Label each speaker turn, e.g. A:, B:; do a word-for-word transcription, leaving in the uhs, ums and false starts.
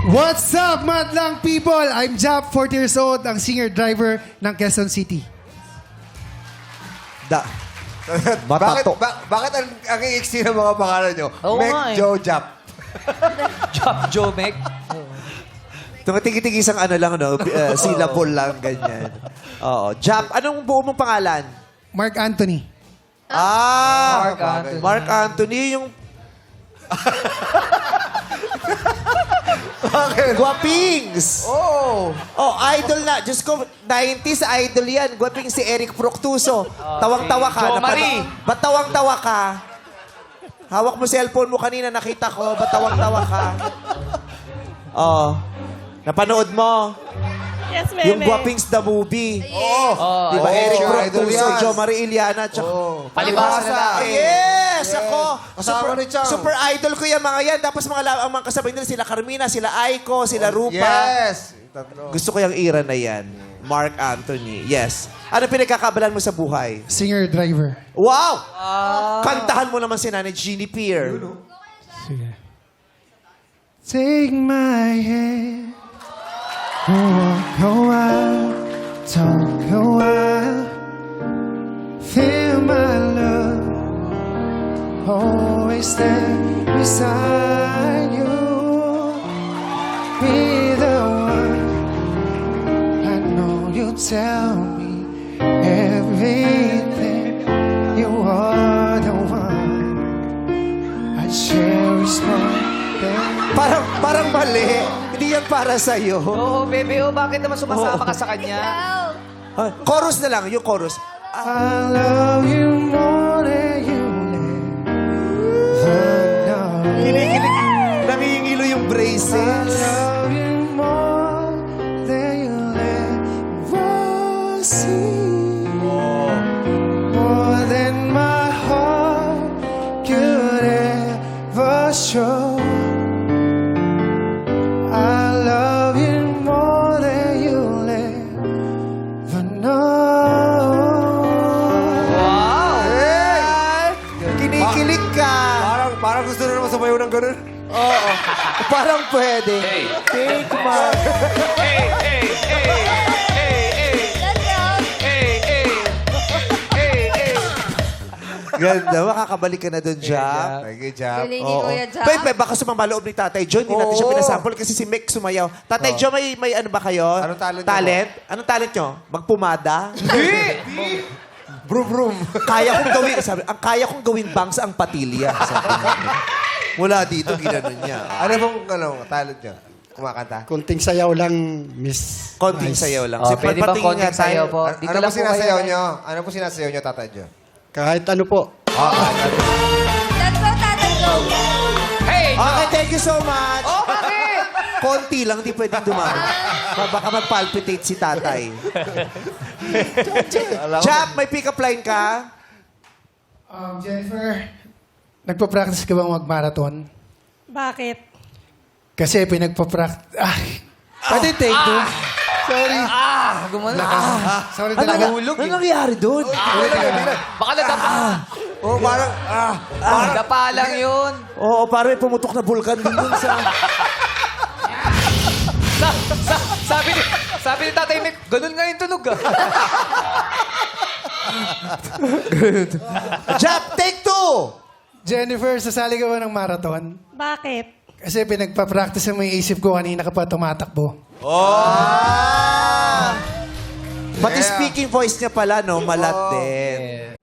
A: What's up, madlang people? I'm Jap, forty years old, ang singer-driver ng Quezon City.
B: Da.
C: bakit,
B: Batato.
C: ba, bakit ang, ang iiksi ng mga pangalan nyo?
D: Oo
C: Meg,
D: nga eh.
C: Joe, Jap.
D: Job, Joe, Meg.
B: Tumatigil-tigil isang ano lang, no? Uh, syllable lang, ganyan. Oo. Jap, anong buo mong pangalan?
A: Mark Anthony.
B: Ah!
D: Mark Anthony.
B: Mark Anthony, yung... Bakit? Guwapings!
C: Oh!
B: Oh, idol na. Diyos ko, nineties idol yan. Guwapings si Eric Proctuso. Tawang-tawa ka.
D: Jo
B: Napano-
D: Marie.
B: Ba't tawang-tawa ka? Hawak mo cellphone mo kanina, nakita ko. Ba't tawang-tawa ka? Oh. Napanood mo?
E: Yes, meme.
B: Yung Guwapings the movie.
C: Oo!
D: Oh,
B: Di ba?
C: Oo,
B: Eric
C: idol
B: Proctuso,
C: yan.
B: Jo Marie Iliana, tsaka...
C: Oh.
D: Palibasa na lang.
B: Yes! Ako!
C: Kasama
B: Super,
C: ni Chang.
B: super idol ko yung mga yan. Tapos mga, la- ang mga kasabay nila, sila Carmina, sila Aiko, sila Rupa.
C: Yes! Yung tatlo.
B: Gusto ko yung era na yan. Mark Anthony. Yes. Ano pinagkakabalan mo sa buhay?
A: Singer-driver.
B: Wow! Kantahan mo naman si Nanay Jeannie Pierre.
A: Sige. Take my hand. Walk a while. Talk a while. Feel my love. Always there beside you. Be the one. I know you tell me everything. You are the one I cherish more than.
B: Parang, parang mali. Hindi yan para sa'yo.
D: Oo, bebe, oh, bakit naman sumasama ka sa kanya?
B: Ah, chorus na lang, yung chorus.
A: I love you more than you ever know.
B: Kinikilig. Nangingilo yung
A: I
B: braces.
A: love you more than you'll ever see. More than my heart could ever show. I love you more than you'll ever know.
D: Wow!
B: Ay, kinikilig ka.
C: Parang, parang gusto na naman sumayaw ng ganun.
B: Oo. Parang pwede. Take my...
D: Hey, hey, hey, hey, hey, hey, hey, hey, hey.
B: Ganda. Makakabalik ka na dun, Jack.
C: Thank you, Jap.
E: Galing ni
B: Oo.
E: Kuya Jap.
B: Pe, pe, baka sumama loob ni Tatay John. Hindi natin siya
C: Oo.
B: pinasample kasi si Mick sumayaw. Tatay John, may, may ano ba kayo?
C: Anong talent niyo
B: Talent? Anong talent nyo? Magpumada?
C: Brum, brum.
B: Kaya kong gawin, sabi, ang kaya kong gawin bangs ang patilya. Sabi niya. Mula dito, ginanon niya.
C: Ano bang ano, talent nyo? Kumakanta?
F: Konting sayaw lang, Miss.
B: Konting
F: Nice.
B: sayaw lang.
D: Oh,
B: Si
D: pwede
B: Pat,
D: bang
B: patingin
D: konting
B: nga tayo.
D: sayaw po?
C: Ano,
D: Dito
C: ano
D: lang
C: po
D: po
C: sinasayaw
D: kayo.
C: nyo? Ano po sinasayaw nyo, Tatay Jo?
F: Kahit ano po.
E: Let's go, Tatay Go.
D: Hey!
B: Okay, thank you so much.
D: Oh, bakit?
B: Konti lang, di pwedeng dumami. Baka mag-palpitate si tatay. Jap, may pick-up line ka?
A: Um, Jennifer, nagpa-practice ka bang mag-marathon?
E: Bakit?
A: Kasi pinagpa-practice... Ah, pwede take two? Sorry.
D: Ah, gumano. Ah,
A: Sorry
B: Ano,
A: talaga.
D: Nahulog
B: ano
D: eh.
B: nangyari doon?
D: Baka nadapa.
C: Oh, parang, ah,
D: Ah, dapa lang yun.
B: Oo, parang may pumutok na vulkan din dun sa...
D: Sa, sa, sabi ni, sabi ni Tatay Mick, ganun nga yung tunog ah.
B: Jap, take two!
A: Jennifer, sasali ka ba ng marathon?
E: Bakit?
A: Kasi pinagpa-practice mo yung isip ko kanina ka pa tumatakbo.
B: Ah! Pati
C: Yeah.
B: speaking voice niya pala, no? Malat din.